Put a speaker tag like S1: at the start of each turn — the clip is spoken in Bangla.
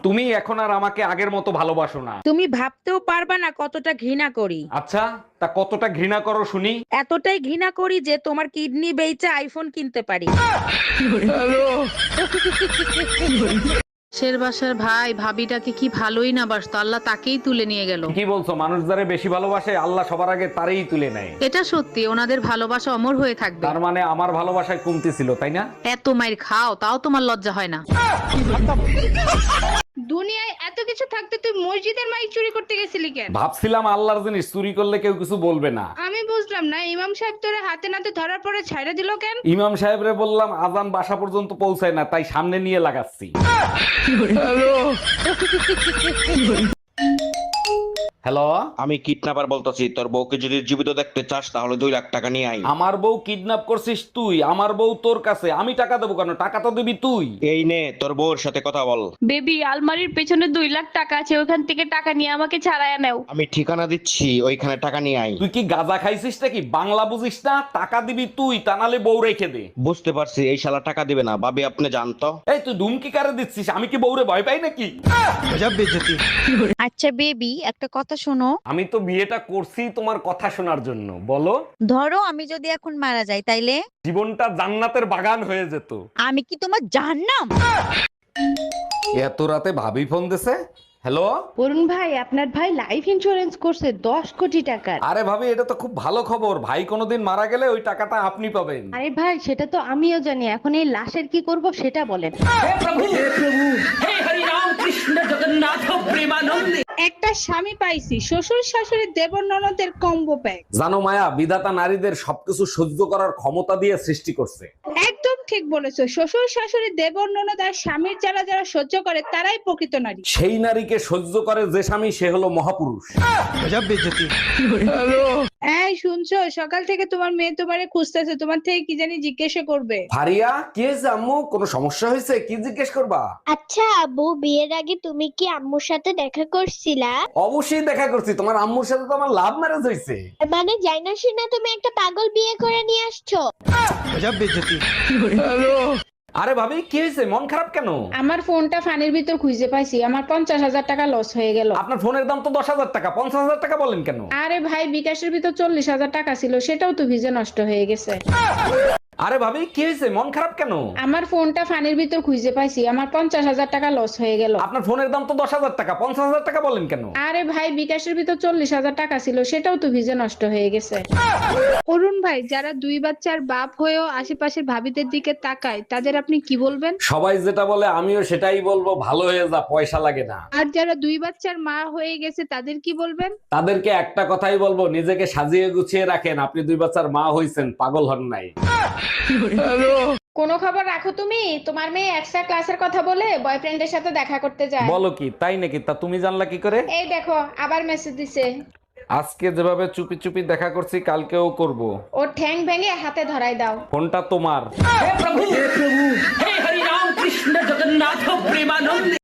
S1: তুমি এখন আর আমাকে আগের মতো ভালোবাসো না।
S2: তুমি ভাবতেও পারবা না কতটা ঘৃণা করি।
S1: আচ্ছা, তা কতটা ঘৃণা করো শুনি।
S2: এতটাই ঘৃণা করি যে তোমার কিডনি বেচে আইফোন কিনতে পারি।
S3: শের বাসার ভাই ভাবিটাকে কি ভালোই না বাসতো, আল্লাহ তাকেই তুলে নিয়ে গেল।
S1: কি বলছো? মানুষ যারে বেশি ভালোবাসে আল্লাহ সবার আগে তারই তুলে নেয়।
S3: এটা সত্যি, ওনাদের ভালোবাসা অমর হয়ে থাকবে।
S1: তার মানে আমার ভালোবাসায় কমতি ছিল, তাই না?
S3: এত মাইর খাও তাও তোমার লজ্জা হয় না?
S4: দুনিয়ায় এত কিছু থাকতে তুই মসজিদের মাইক চুরি করতে গেছিলি কেন?
S1: ভাবছিলাম আল্লাহর জিনিস চুরি করলে কেউ কিছু বলবে না।
S4: আমি বুঝলাম না, ইমাম সাহেব তোরে হাতে নাতে ধরার পরে ছাইড়া দিল কেন?
S1: ইমাম সাহেবরে বললাম আজান বাসা পর্যন্ত পৌঁছায় না, তাই সামনে নিয়ে লাগাচ্ছি। হ্যালো,
S5: আমি কিডন্যাপার বলতেছি, তোর বউকে যদি জীবিত দেখতে চাস তাহলে 2 লাখ টাকা নিয়ে আই।
S1: আমার বউ কিডন্যাপ করছিস তুই? আমার বউ তোর কাছে, আমি টাকা দেবো কেন? টাকা তো দিবি তুই।
S5: এই নে তোর বউর সাথে কথা বল।
S4: বেবি, আলমারির পেছনে 2 লাখ টাকা আছে, ওখান থেকে টাকা নিয়ে আমাকে ছাড়াইয়া নাও।
S5: আমি ঠিকানা দিচ্ছি, ওইখানে টাকা নিয়ে আই।
S1: তুই কি গাঁজা খাইছিস নাকি? বাংলা বুঝিস না? টাকা দিবি তুই, তা নালে বউ রেখে দে।
S5: বুঝতে পারছি, এই শালা টাকা দিবে না। ভাবি আপনি জানতো।
S1: এই তুই ধুমকি কারে দিচ্ছিস? আমি কি বউরে ভয় পাই নাকি?
S2: আচ্ছা বেবি, একটা কথা শোনো।
S1: আমি তো বিয়েটা করছি তোমার কথা শোনার জন্য। বলো।
S2: ধরো আমি যদি এখন মারা যাই তাইলে
S1: জীবনটা জান্নাতের বাগান হয়ে যেত।
S2: আমি কি তোমার জাহান্নাম?
S1: এত রাতে ভাবি ফোন দিছে। হ্যালো।
S4: অরুণ ভাই, আপনার ভাই লাইফ ইন্স্যুরেন্স করছে 10 কোটি টাকার।
S1: আরে ভাবি, এটা তো খুব ভালো খবর। ভাই কোনোদিন মারা গেলে ওই টাকাটা আপনি পাবেন।
S4: আরে ভাই, সেটা তো আমিও জানি, এখন এই লাশের কি করব সেটা বলেন। একটা স্বামী পাইছি, শ্বশুর শাশুড়ি দেবর ননদের কম্বো প্যাক।
S1: জানো মায়া, বিধাতা নারীদের সবকিছু সহ্য করার ক্ষমতা দিয়ে সৃষ্টি করছে।
S4: একদম ঠিক বলেছো, শ্বশুর শাশুড়ি দেবর ননদ আর স্বামীর যারা যারা সহ্য করে তারাই প্রকৃত নারী।
S1: সেই নারীকে সহ্য করে যে স্বামী, সে হলো মহাপুরুষ।
S4: এই শুনছো, সকাল থেকে তোমার মেয়ে তোমারে খুঁজতেছে, তোমার থেকে কি জানি জিজ্ঞাসা করবে।
S1: ফারিয়া, কি হয়েছে আম্মু? কোনো সমস্যা হয়েছে? কি জিজ্ঞেস করবা?
S6: আচ্ছা আব্বু, বিয়ের আগে তুমি কি আম্মুর সাথে দেখা করছিলা?
S1: অবশ্যই দেখা করছি। তোমার আম্মুর সাথে তো আমার লাভ ম্যারেজ হয়েছে।
S6: মানে যাই না শুনে তুমি একটা পাগল বিয়ে করে নিয়ে আসছো।
S1: আরে ভাবি, কি হয়েছে? মন খারাপ কেন?
S4: আমার ফোনটা ফানির ভিতর খুঁজে পাইছি, আমার 50,000 টাকা লস হয়ে গেল।
S1: আপনার ফোনের দাম তো 10,000 টাকা, 50,000 টাকা বলেন কেন?
S4: আরে ভাই, বিকাশের ভিতর 40,000 টাকা ছিল, সেটাও তো ভিজে নষ্ট হয়ে গেছে।
S1: আরে ভাবি, কি হয়েছে? মন খারাপ কেন?
S4: আমার ফোনটা ফানির ভিতর খুঁজে পাইছি, আমার 50,000 টাকা লস হয়ে গেল।
S1: আপনার ফোনের দাম তো 10,000 টাকা, 50,000 টাকা বলেন কেন?
S4: আরে ভাই, বিকাশের ভিতর 40,000 টাকা ছিল, সেটাও তো ভিজে নষ্ট হয়ে গেছে। অরুণ ভাই, যারা 2 বাচ্চার বাপ হয়েও আশেপাশের ভাবিদের দিকে তাকায়, তাদের আপনি কি বলবেন?
S1: সবাই যেটা বলে আমিও সেটাই বলবো, ভালো হয়ে যা, পয়সা লাগে না।
S4: আর যারা 2 বাচ্চার মা হয়ে গেছে, তাদের কি বলবেন?
S1: তাদেরকে একটা কথাই বলবো, নিজেকে সাজিয়ে গুছিয়ে রাখেন। আপনি 2 বাচ্চার মা হইছেন, পাগল হন নাই।
S4: কোনো খবর রাখো তুমি? তোমার মেয়ে এক্সট্রা ক্লাসের কথা বলে বয়ফ্রেন্ডের সাথে দেখা করতে যায়।
S1: বলো কি? তাই নাকি? তা তুমি জানলা কি করে?
S4: এই দেখো, আবার মেসেজ দিছে।
S1: আজকে যেভাবে চুপি চুপি দেখা করছি, কালকেও করব।
S4: ওর ঠ্যাং ভেঙে হাতে ধরাই দাও।
S1: ফোনটা তোমার।